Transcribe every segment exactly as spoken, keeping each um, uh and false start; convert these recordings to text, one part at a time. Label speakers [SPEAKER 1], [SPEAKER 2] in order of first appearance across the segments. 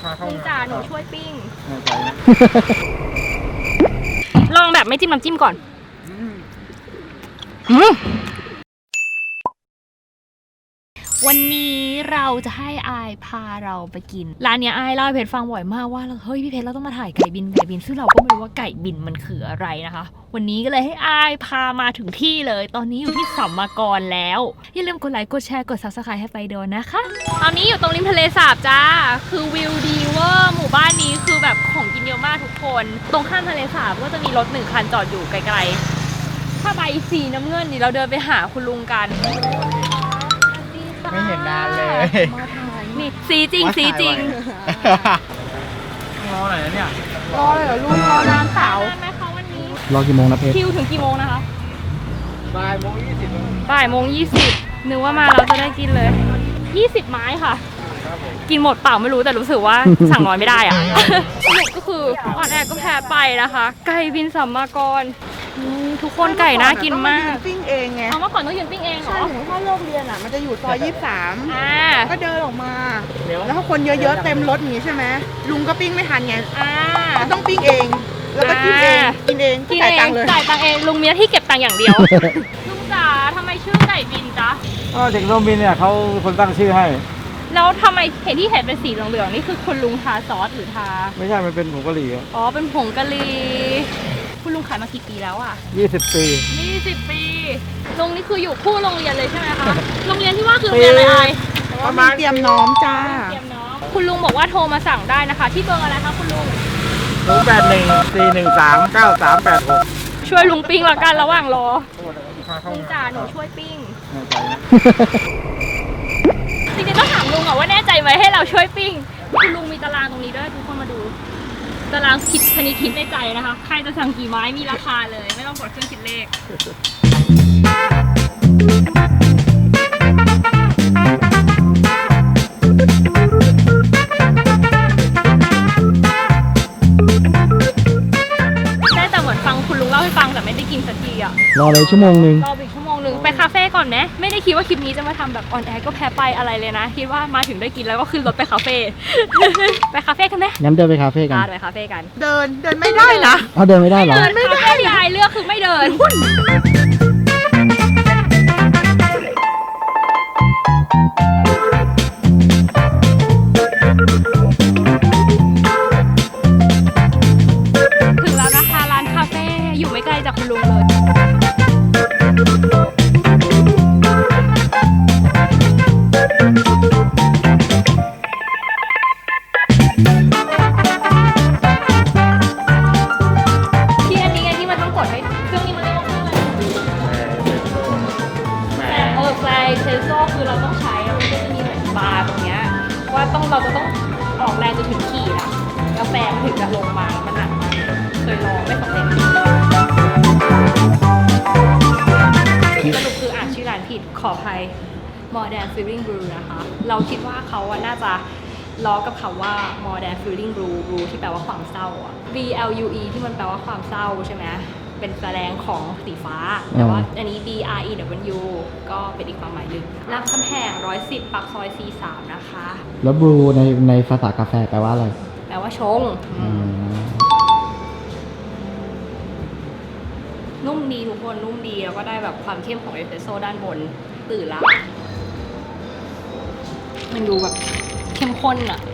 [SPEAKER 1] ลุงจ๋าหนูช่วยปิ้ง
[SPEAKER 2] แน่ใจนะ
[SPEAKER 1] ลองแบบไม่จิ้มน้ำจิ้มก่อนอืมวันนี้เราจะให้อายพาเราไปกินร้านเนี้ยอายเล่าให้เพชรฟังบ่อยมากว่าเฮ้ยพี่เพชรเราต้องมาถ่ายไก่บินไก่บินซึ่งเราก็ไม่รู้ว่าไก่บินมันคืออะไรนะคะวันนี้ก็เลยให้อายพามาถึงที่เลยตอนนี้อยู่ที่สัมมากรแล้วอย่าลืมกดไลค์กดแชร์กด ซับสไครบ์ ให้ไปโดนนะคะตอนนี้อยู่ตรงริมทะเลสาบจ้าคือวิวดีเวอร์หมู่บ้านนี้คือแบบของกินเยอะมากทุกคนตรงข้ามทะเลสาบก็จะมีรถหนึ่งคันจอดอยู่ไกลๆถ้าใบสีน้ำเงินนี่เราเดินไปหาคุณลุงกัน
[SPEAKER 2] ไม่เห็นนานเลย
[SPEAKER 1] นี่สีจริงสีจริง
[SPEAKER 2] รอหน่อยนะเนี่ย
[SPEAKER 1] รอเลยเหรอลุงรอนานสาวได้ไหมคะวันนี้
[SPEAKER 2] รอกี่โมงนะเพชร
[SPEAKER 1] คิวถึงกี่โมงนะคะ
[SPEAKER 2] บ่ายโมงยี่สิบ
[SPEAKER 1] บ่ายโมงยี่สิบนึกว่ามาเราจะได้กินเลยยี่สิบไม้ค่ะกินหมดเปล่าไม่รู้แต่รู้สึกว่าสั่งน้อยไม่ได้อะสรุปก็คือออนแอร์ก็แพ้ไปนะคะไก่บินสัมมากรทุกคนไก่น่ากินมาก
[SPEAKER 3] ปิ้งเองไง
[SPEAKER 1] เอาเมื่อก่อนต้องยืนปิ้งเองเหรอ
[SPEAKER 3] ใช่หนูถ้าเลิกเรียนอ่ะมันจะอยู่ซอยยี่สิบสาม
[SPEAKER 1] อ่า
[SPEAKER 3] ก็เดินออกมาแล้วถ้าคนเยอะๆเต็มรถอย่างนี้ใช่ไหมลุงก็ปิ้งไม่ทันไง
[SPEAKER 1] อ่า
[SPEAKER 3] ก็ต้องปิ้งเองแล้วก็กินเองกินเอง
[SPEAKER 1] จ่ายตังค์เลยจ่ายตังค์เองลุงมีหน้าที่เก็บตังค์อย่างเดียวลุงจ๋าทำไมชื่อไก่บินจ๊ะ
[SPEAKER 2] ก็เด็กร่มบินเนี่ยเขาคนตั้งชื่อให้
[SPEAKER 1] แล้วทำไมเห็นที่เห็นเป็นสีเหลืองๆนี่คือคุณลุงทาซอสหรือทา
[SPEAKER 2] ไม่ใช่มันเป็นผงกะหรี่
[SPEAKER 1] อ๋อเป็นผงกะหรี่คุณลุงขายมากี่ปีแล้วอ่ะ
[SPEAKER 2] ยี่สิบปี
[SPEAKER 1] ยี่สิบปีลุงนี่คืออยู่คู่โรงเรียนเลยใช่ไหมคะโรงเรียนที่ว่าคือโรงเรียนอะไร
[SPEAKER 3] ประมาณเตรียมน้อมจ้า
[SPEAKER 1] เตรียมน้อมคุณลุงบอกว่าโทรมาสั่งได้นะคะที่เบอร์อะไรคะคุณลุง
[SPEAKER 2] ศูนย์แปดหนึ่งสี่หนึ่งสามเก้าสามแปดหก
[SPEAKER 1] ช่วยลุงปิ้งละกันระหว่างรอลุงจ๋าหนูช่วยปิ้งจริงๆต้องถามลุงอะว่าแน่ใจไหมให้เราช่วยปิ้งคุณลุงมีตารางตรงนี้ด้วยทุกคนมาดูตารางคิดคณิตคิดในใจนะคะใครจะสั่งกี่ไม้มีราคาเลยไม่ต้องกดเครื่องคิดเลขได้แต่เหมือนฟังคุณลุงเล่าให้ฟังแต่ไม่ได้กินสักทีอะ
[SPEAKER 2] รอเลยชั่วโมงนึง
[SPEAKER 1] รออีกชั่วโมงนึงไปคาเฟ่ก่อนไหมไม่ได้คิดว่าคลิปนี้จะมาทำแบบออนแอร์ก็แพ้ไปอะไรเลยนะคิดว่ามาถึงได้กินแล้วก็ขึ้นรถไปคาเฟ่ไปคาเฟ่กันไหม
[SPEAKER 2] งั้นเดินไปคาเฟ่กัน
[SPEAKER 1] ไปคาเฟ่กัน
[SPEAKER 3] เดินเดินไม่ได้นะ
[SPEAKER 2] เอาเดินไม่ได้เหรอ
[SPEAKER 1] เดินไม่ได้ยายเลือกคือไม่เดินถึงแล้วนะคะร้านคาเฟ่อยู่ไม่ไกลจากคุณลุงเลยที่อันนี้ไงที่มันต้องกดให้เครื่องนี้มันเรียกว่าเครื่องอะไรเออแฟร์เซนโซ่คือเราต้องใช้แล้วมันก็จะมีเหมือนบาร์ตรงเนี้ยว่าต้องเราจะต้องออกแรงจนถึงขีดอะกาแฟมันถึงจะลงมามันหนักมากเคยลองไม่สำเร็จสรุปคืออ่านชื่อร้านผิดขออภัย Modern Feeling Brew นะคะเราคิดว่าเขาอะน่าจะล้อกับคำว่า Modern Feeling Brew Brew ที่แปลว่าความเศร้าอะ B L U E ที่มันแปลว่าความเศร้าใช่ไหมเป็นแสดงของสีฟ้าแต่ว่าอันนี้ B R E W ก็เป็นอีกความหมายหนึ่งรามคำแหงหนึ่งร้อยสิบปากซอย ซี สาม นะคะ
[SPEAKER 2] แล้วบรูในในภาษากาแฟแปลว่าอะไร
[SPEAKER 1] แปลว่าชงนุ่มดีทุกคนนุ่มดีแล้วก็ได้แบบความเข้มของเอสเปรสโซ่ด้านบนตื่นแล้วมันดูแบบเข้มข้นอ่ะ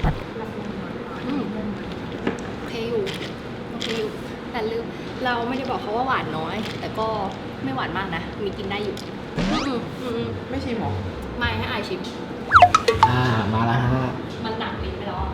[SPEAKER 1] โอเคอยู่โอเคอยู่แต่ลืมเราไม่ได้บอกเขาว่าหวานน้อยแต่ก็ไม่หวานมากนะมีกินได้อยู่
[SPEAKER 3] ไม่ชิมหรอ
[SPEAKER 1] ไม่ให้อายชิม
[SPEAKER 2] อ่ามาแล้วฮะ
[SPEAKER 1] มันหนักลิ้นไปแล้ว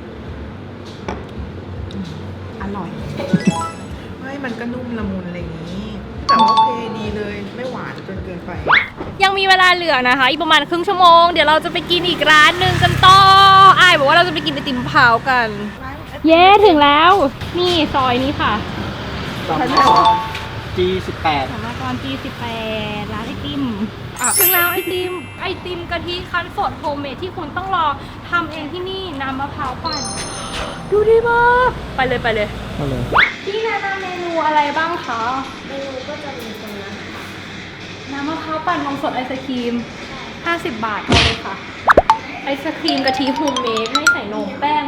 [SPEAKER 3] อร่อยไม่มันก็นุ่มละมุนอะไรอย่างนี้แต่ว่าโอเคดีเลยไม่หวานจนเกินไป
[SPEAKER 1] ยังมีเวลาเหลือนะคะอีกประมาณครึ่งชั่วโมงเดี๋ยวเราจะไปกินอีกร้านหนึ่งกันต่ออ้ายบอกว่าเราจะไปกินไอติมมะพร้าวกันเย้ถึงแล้วนี่ซอยนี้ค่ะ
[SPEAKER 2] สัมมากร จี สิบแปด
[SPEAKER 1] สัมมากร จี สิบแปด ร้านไอติมถึงแล้วไอติมไอติมกะทิคั้นสดโฮมเมดที่คุณต้องรอทำเองที่นี่น้ำมะพร้าวปั่นดูดีมากไปเลยไปเลย
[SPEAKER 2] ไปเลย
[SPEAKER 1] พี่แนะนำเมนูอะไรบ้างคะเมนูก็จะมีตรงนั้นค่ะน้ำมะพร้าวปั่นนมสดไอศครีมห้าสิบบาทเลยค่ะไอศครีมกะทิโฮมเมดไม่ใส่นมแป้ง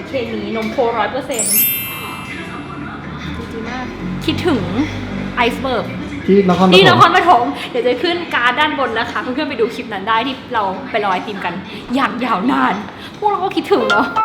[SPEAKER 1] เคมีนมโคร้อยเปอร์เซ็นต์ดีมากคิดถึงไอซ์เบิร์ก
[SPEAKER 2] ที่นครปฐม
[SPEAKER 1] ที่นครปฐมเดี๋ยวจะขึ้นการ์ดด้านบนนะคะเพื่อนๆไปดูคลิปนั้นได้ที่เราไปรอไอติมกันอย่างยาวนาน พวกเราก็คิดถึงเนาะ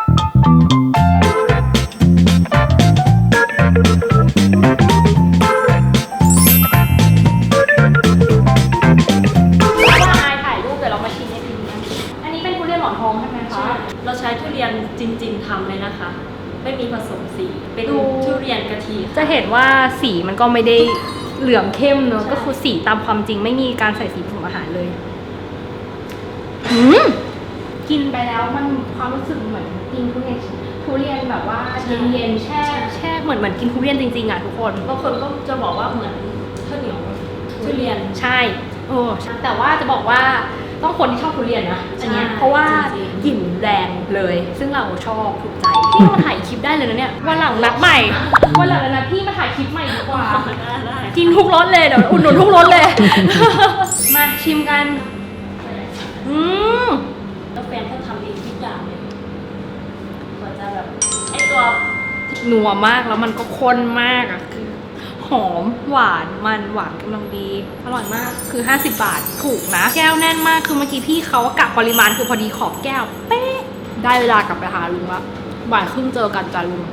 [SPEAKER 1] ถ่ายรูปเดี๋ยวเรามาชิมไอติมกันอันนี้เป็นทุเรียนหมอนทองใช่ไหมคะ
[SPEAKER 4] เราใช้ทุเรียนจริงๆทำเลยนะคะ ไม่มีผสมสี เป็น
[SPEAKER 1] ดู
[SPEAKER 4] ทุเรียนกะทิ
[SPEAKER 1] จะเห็นว่าสีมันก็ไม่ได้เหลืองเข้มเนอะก็คือสีตามความจริงไม่มีการใส่สีผสมอาหารเลยอืมกินไปแล้วมันความรู้สึกเหมือนกินทุเรียนทุเรียนแบบว่าเย็นๆแช่แช่เหมือนเหมือนกินทุเรียนจริงๆอ่ะทุกคน
[SPEAKER 4] บางคนก็จะบอกว่าเหมือนข้าวเหนียวทุเรียน
[SPEAKER 1] ใช่เออแต่ว่าจะบอกว่าต้องคนที่ชอบทุเรียนนะอันเนี้ย
[SPEAKER 4] ใช่
[SPEAKER 1] เพราะว่า
[SPEAKER 4] จริงๆ
[SPEAKER 1] กลิ่นแรงเลย ซึ่งเราชอบถูกใจพี่มาถ่ายคลิปได้เลยนะเนี่ยวันหลังนัดใหม่วันหลังนะพี่มาถ่ายคลิปใหม่ดีกว่า
[SPEAKER 4] ได้ได้
[SPEAKER 1] กินทุกรสเลยเดี๋ยวอุดหนุนทุกรสเลย มาชิมกัน อืม
[SPEAKER 4] แล้วแฟนเขาทำเองทุกอย่างเลยกว่าจะแบบไอตัว
[SPEAKER 1] นัวมากแล้วมันก็ข้นมากอ่ะคือหอมหวานมันหวานกำลังดี อร่อยมากคือห้าสิบบาทถูกนะ แก้วแน่นมากคือเมื่อกี้พี่เขากะปริมาณคือพอดีขอบแก้วเป๊ะได้เวลากลับไปหาลุงละบ่ายครึ่งเจอกันจ้ะลุง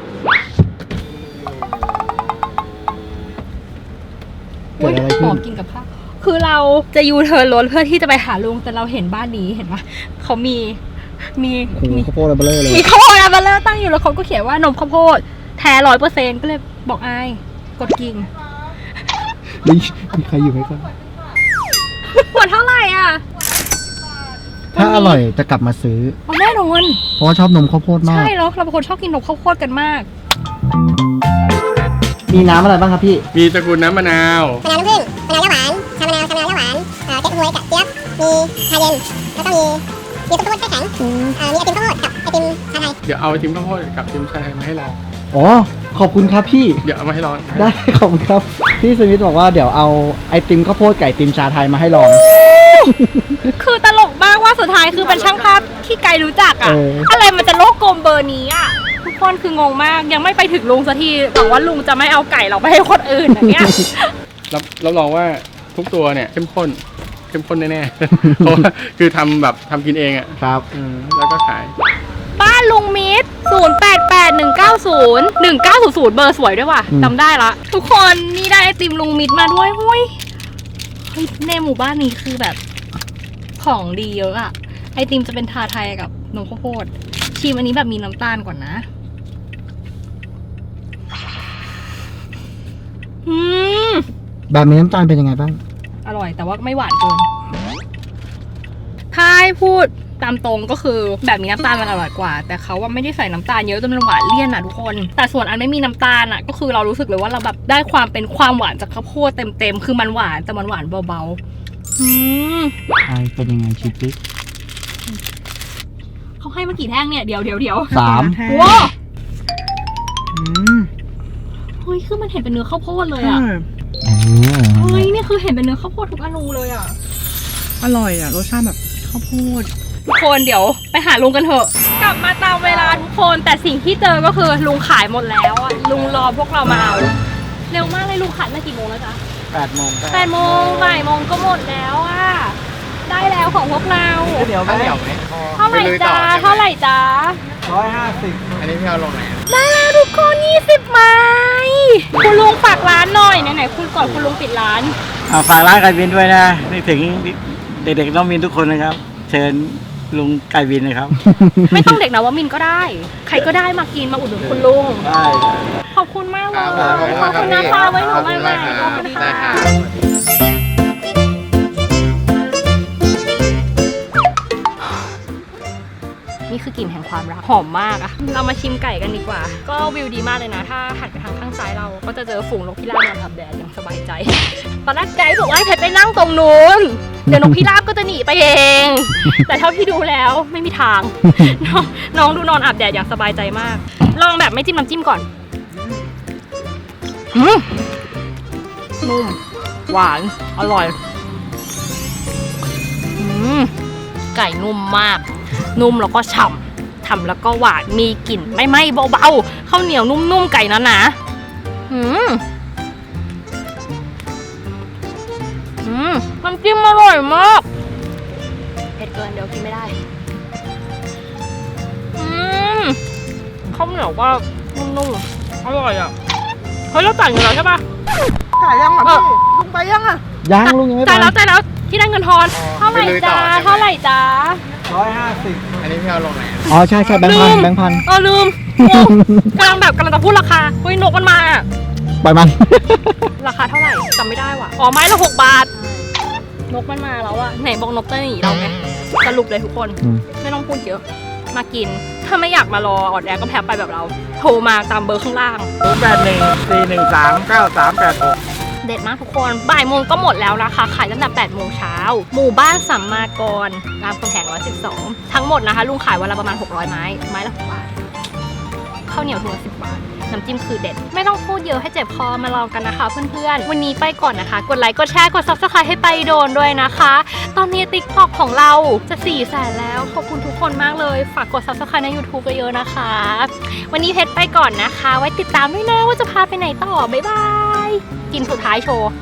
[SPEAKER 2] เกิดอะไร
[SPEAKER 1] ห
[SPEAKER 2] ขึ้
[SPEAKER 1] อน มกินกับข้าวคือเราจะยูเทิร์นรถเพื่อที่จะไปหาลุงแต่เราเห็นบ้านนี้เห็นปะเขามีมี
[SPEAKER 2] โอ้โห
[SPEAKER 1] มี
[SPEAKER 2] ข้าวโพดอะไรเบลอเลย
[SPEAKER 1] มีข้าวโพดอัลเบลเลอร์ตั้งอยู่แล้วเขาก็เขียนว่านมข้าวโพดแท้ร้อยเปอร์เซ็นต์ก็เลยบอกอายกดกิ่ง
[SPEAKER 2] มีมีใครอยู่ไหมครับ
[SPEAKER 1] ขวดเท่าไหร่อ่ะ
[SPEAKER 2] ถ้าอร่อยจะกลับมาซื้อ
[SPEAKER 1] เอาแน่นอน
[SPEAKER 2] เพราะว่าชอบนมข้าวโพดมาก
[SPEAKER 1] ใช่แล้วเราเป็นคนชอบกินนมข้าวโพดกันมาก
[SPEAKER 2] มีน้ำอะไรบ้างครับพี่
[SPEAKER 5] มีตระกูลน้ำมะนาว
[SPEAKER 6] มะนาวน้ำผึ้งมะนาวย่าหวานชามะนาวชามะนาวย่าหวานเอ่อเก๊กฮวยกับเจี๊ยบมีชาเย็น แล้วก็มีมีซุปข้าวโพดแช่แข็งเอ่อมีไอติมข้าวโพดกับไอติมชาไทย
[SPEAKER 5] เดี๋ยวเอาไอติมข้าวโพดกับไอติมชาไทยมาให้ลอง
[SPEAKER 2] อ๋อ ขอบคุณครับพี่
[SPEAKER 5] เดี๋ยวเอามาให้ลอง
[SPEAKER 2] ได้ ขอบคุณครับ พี่สมิธบอกว่าเดี๋ยวเอาไอติมข้าวโพดไก่ติมชาไทยมาให้ลอง
[SPEAKER 1] คือตลกมากว่าสุดท้ายคือเป็นช่างภาพที่ไกลรู้จักอ่ะ
[SPEAKER 2] เอออ
[SPEAKER 1] อะไรมันจะโลกกลมเบอร์นี้อ่ะทุกคนคืองงมากยังไม่ไปถึงลุงสักทีแต่ว่าลุงจะไม่เอาไก่เราไปให้คนอื่นนะเนี่ย
[SPEAKER 5] รับรับรองว่าทุกตัวเนี่ยเข้มข้น เข้มข้นแน่ๆ เพราะว่าคือทำแบบทำกินเองอ่ะ
[SPEAKER 2] ครับ
[SPEAKER 5] อืมแล้วก็ขาย
[SPEAKER 1] บ้านลุงมิตรศูนย์ แปด แปด หนึ่ง เก้า ศูนย์ หนึ่ง เก้า ศูนย์ ศูนย์เบอร์สวยด้วยว่ะ
[SPEAKER 2] อืม
[SPEAKER 1] จำได้ละ ทุกคนนี่ได้ไอติมลุงมิตรมาด้วยหุ้ยเฮ้ยในหมู่บ้านนี้คือแบบของดีเยอะอะไอติมจะเป็นทาไทยกับนมข้าวโพดชิมอันนี้แบบมีน้ำตาลก่อนนะอืม
[SPEAKER 2] แบบมีน้ำตาลเป็นยังไงบ้าง
[SPEAKER 1] อร่อยแต่ว่าไม่หวานเกิน ถ้าให้พูดตามตรงก็คือแบบมีน้ำตาลมันอร่อยกว่า แต่เขาว่าไม่ได้ใส่น้ำตาลเยอะจนมันหวานเลี่ยนอ่ะทุกคน แต่ส่วนอันไม่มีน้ำตาลอ่ะก็คือเรารู้สึกเลยว่าเราแบบได้ความเป็นความหวานจากข้าวโพดเต็มๆคือมันหวานแต่มันหวานเบาๆอืม
[SPEAKER 2] ไอเป็นยังไงชิปปิ๊ก
[SPEAKER 1] เขาให้มากี่แท่งเนี่ยเดี๋ยวเดี๋ยวเดี๋ยว
[SPEAKER 2] สาม
[SPEAKER 1] ว้า
[SPEAKER 3] อืม
[SPEAKER 1] เฮ้ยคือมันเห็นเป็นเนื้อข้าวโพดเลยอ่ะ
[SPEAKER 2] เออ
[SPEAKER 1] เฮ้ยนี่คือเห็นเป็นเนื้อข้าวโพดทุกอนูเลยอ่ะ
[SPEAKER 3] อร่อยอ่ะรสชาติแบบข้าวโพด
[SPEAKER 1] ทุกคนเดี๋ยวไปหาลุงกันเถอะ กลับมาตามเวลาทุกคนแต่สิ่งที่เจอก็คือลุงขายหมดแล้วอะลุงรอพวกเรามาเอาเร็วมากเลยลุงขายมากี่โมงแล้วจ๊ะ
[SPEAKER 2] แปดโมง
[SPEAKER 1] แปดโมงบ่ายโมงก็หมดแล้วอะได้แล้วของพวกเรา
[SPEAKER 2] เดี๋ยวไหมเดี๋ยวไหม
[SPEAKER 1] เท่าไหร่จ๊ะเท่าไหร่จ๊ะ
[SPEAKER 2] ร้อยห้าสิบ
[SPEAKER 5] อันนี้พี่เอาลงไหน
[SPEAKER 1] ได้แล้วทุกคนยี่สิบไม้คุณลุงฝากร้านหน่อยไหนๆคุณก่อนคุณลุงปิดร้าน
[SPEAKER 7] ฝากร้านไก่บินด้วยนะนึกถึงเด็กๆน้องมินทุกคนนะครับ เชิญลุงไก่บินนะครับ
[SPEAKER 1] ไม่ต้องเด็กนะว่ามินก็ได้ ใครก็ได้มากินมาอุดหนุนคุณลุง
[SPEAKER 7] ได้
[SPEAKER 1] ขอบคุณมากเลยขอบคุณนะคะไว้หนูใหม่ๆขอบคุณค่ะนี่คือกลิ่นแห่งความรักหอมมากอะเรามาชิมไก่กันดีกว่า ก็วิวดีมากเลยนะ ถ้าหันไปทางข้างซ้ายเราก็จะเจอฝูงนกพิราบนอนอาบแดดอย่างสบายใจ ตอนแรกไก่บอกว่าให้เพชรไปนั่งตรงนู้น เดี๋ยวนกพิราบก็จะหนีไปเอง แต่เท่าที่ดูแล้วไม่มีทาง น้องน้องดูนอนอาบแดดอย่างสบายใจมาก ลองแบบไม่จิ้มน้ำจิ้มก่อนอืมนุ่มหวานอร่อยอืมไก่นุ่มมาก นุ่มแล้วก็ฉ่ำฉ่ำๆแล้วก็หวานมีกลิ่นไม่ไหม้เบาๆข้าวเหนียวนุ่มๆไก่นะนะอืมอืมน้ำจิ้มอร่อยมากเผ็ดเกินเดี๋ยวกินไม่ได้อืมข้าวเหนียวก็นุ่มๆอร่อยอ่ะเฮ้ยเราจ่ายเงินแล้วใช่ปะ
[SPEAKER 3] ถ่ายยังอ่ะ
[SPEAKER 1] เออ
[SPEAKER 3] พี่ลุงไปยังอ่ะ
[SPEAKER 2] ยังลุงยังไม่ไป
[SPEAKER 1] จ่ายแล้วจ่ายแล้วที่ได้เงินทอนเท่าไหร่
[SPEAKER 5] ไปลุยต่
[SPEAKER 1] จ้า
[SPEAKER 5] อใช่ไหม
[SPEAKER 1] เท่าไหร่จ้า
[SPEAKER 7] ร้อยห้าสิบ
[SPEAKER 5] อันนี้พี่เอาลงไหน
[SPEAKER 2] อ๋อใช่ใช่แบงค์พัน
[SPEAKER 1] ลืม
[SPEAKER 2] แบงค์พัน
[SPEAKER 1] เออลืมโอ้กำลังแบบกำลังจะพูดราคาเฮ้ยนกมันมาอะ
[SPEAKER 2] ปล่อยมัน
[SPEAKER 1] ราคาเท่าไหร่จำไม่ได้ว่ะอ๋อไม้ละหกบาท นกมันมาแล้วอะไหนบอกนกจะหนีเราไงสรุปเลยทุกคน
[SPEAKER 2] อืม
[SPEAKER 1] ไม่ต้องพูดเยอะมากิน ถ้าไม่อยากมารอออดแอร์ก็แพ้ไปแบบเรา โทรมาตามเบอร์ข้างล่าง
[SPEAKER 7] ศูนย์แปดหนึ่งสี่หนึ่งสามเก้าสามแปดหก
[SPEAKER 1] เด็ดมากทุกคนบ่ายโมงก็หมดแล้วนะคะขายตั้งแต่แปดโมงเช้าหมู่บ้านสัมมากรรามคำแหงหนึ่งร้อยสิบสองทั้งหมดนะคะลุงขายวันละประมาณหกร้อยไม้ไม้ละหกบาทข้าวเหนียวถุงละสิบบาทน้ำจิ้มคือเด็ดไม่ต้องพูดเยอะให้เจ็บคอมาลองกันนะคะเพื่อนๆวันนี้ไปก่อนนะคะกดไลค์กดแชร์กด ซับสไครบ์ ให้ไปโดนด้วยนะคะ ตอนนี้ ติ๊กต็อก ของเราจะสี่แสนแล้วขอบคุณทุกคนมากเลยฝากกด ซับสไครบ์ ใน ยูทูบ เยอะๆนะคะวันนี้เพชรไปก่อนนะคะไว้ติดตามด้วยนะว่าจะพาไปไหนต่อบ๊ายบายกินสุดท้ายโชว์